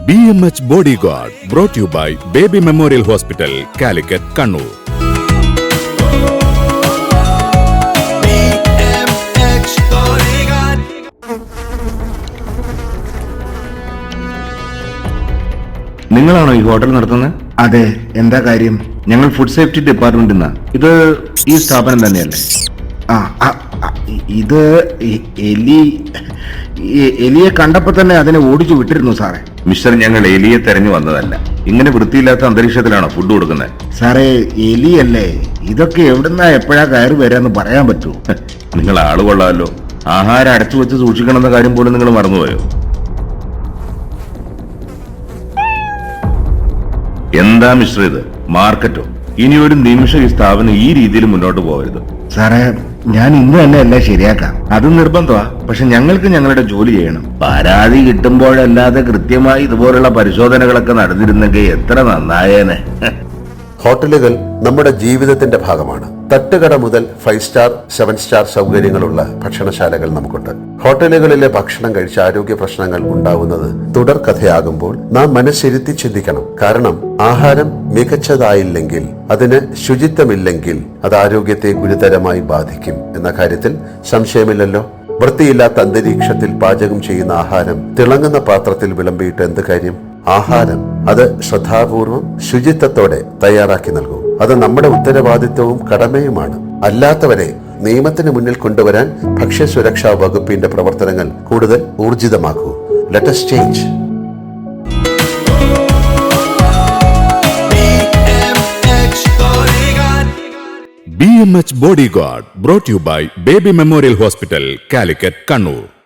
BMH Bodyguard, brought to you by Baby Memorial Hospital, Calicut, Kannur. BMH Bodyguard. നിങ്ങളാണോ ഈ hotel നടത്തുന്നത്? അതെ, എന്താ കാര്യം? ഞങ്ങൾ ഫുഡ് സേഫ്റ്റി ഡിപ്പാർട്ട്മെന്റിൽ നിന്നാ. ഇത് ഈ സ്ഥാപനം തന്നെയല്ലേ? ആ ആ, ആ, ഇത് എലിയെ കണ്ടപ്പോ തന്നെ അതിനെ ഓടിച്ചു വിട്ടിരുന്നു സാറേ. മിസ്റ്റർ, ഞങ്ങൾ എലിയെ തെരഞ്ഞു വന്നതല്ല. ഇങ്ങനെ വൃത്തിയില്ലാത്ത അന്തരീക്ഷത്തിലാണോ ഫുഡ് കൊടുക്കുന്നത്? സാറേ, എലിയല്ലേ, ഇതൊക്കെ എവിടുന്നാ എപ്പോഴാ കയറി വരാന്ന് പറയാൻ പറ്റൂ. നിങ്ങൾ ആള് കൊള്ളാമല്ലോ. ആഹാരം അടച്ചു വെച്ച് സൂക്ഷിക്കണമെന്ന കാര്യം പോലും നിങ്ങൾ മറന്നുപോയോ? എന്താ മിസ്റ്റർ ഇത്? മാർക്കറ്റോ? ഇനി ഒരു നിമിഷം ഈ സ്ഥാപനം ഈ രീതിയിൽ മുന്നോട്ട് പോകരുത്. സാറേ, ഞാൻ ഇന്ന് തന്നെ എല്ലാം ശരിയാക്കാം. അത് നിർബന്ധമാ. പക്ഷെ ഞങ്ങൾക്ക് ഞങ്ങളുടെ ജോലി ചെയ്യണം. പരാതി കിട്ടുമ്പോഴല്ലാതെ കൃത്യമായി ഇതുപോലുള്ള പരിശോധനകളൊക്കെ നടന്നിരുന്നെങ്കിൽ എത്ര നന്നായേനെ. ഹോട്ടലുകൾ നമ്മുടെ ജീവിതത്തിന്റെ ഭാഗമാണ്. തട്ടുകട മുതൽ 5 സ്റ്റാർ 7 സ്റ്റാർ സൗകര്യങ്ങളുള്ള ഭക്ഷണശാലകൾ നമുക്കുണ്ട്. ഹോട്ടലുകളിലെ ഭക്ഷണം കഴിച്ച് ആരോഗ്യ പ്രശ്നങ്ങൾ ഉണ്ടാവുന്നത് തുടർക്കഥയാകുമ്പോൾ നാം മനസ്സിരുത്തി ചിന്തിക്കണം. കാരണം ആഹാരം മികച്ചതായില്ലെങ്കിൽ, അതിന് ശുചിത്വമില്ലെങ്കിൽ അത് ആരോഗ്യത്തെ ഗുരുതരമായി ബാധിക്കും എന്ന കാര്യത്തിൽ സംശയമില്ലല്ലോ. വൃത്തിയില്ലാത്ത അന്തരീക്ഷത്തിൽ പാചകം ചെയ്യുന്ന ആഹാരം തിളങ്ങുന്ന പാത്രത്തിൽ വിളമ്പിയിട്ട് എന്ത് കാര്യം? ആഹാരം അത് ശ്രദ്ധാപൂർവം ശുചിത്വത്തോടെ തയ്യാറാക്കി നൽകൂ. അത് നമ്മുടെ ഉത്തരവാദിത്വവും കടമയുമാണ്. അല്ലാത്തവരെ നിയമത്തിന് മുന്നിൽ കൊണ്ടുവരാൻ ഭക്ഷ്യസുരക്ഷാ വകുപ്പിന്റെ പ്രവർത്തനങ്ങൾ കൂടുതൽ ഊർജിതമാക്കൂ. Let us change. BMH Bodyguard, brought to you by Baby Memorial Hospital, Calicut, Kannur.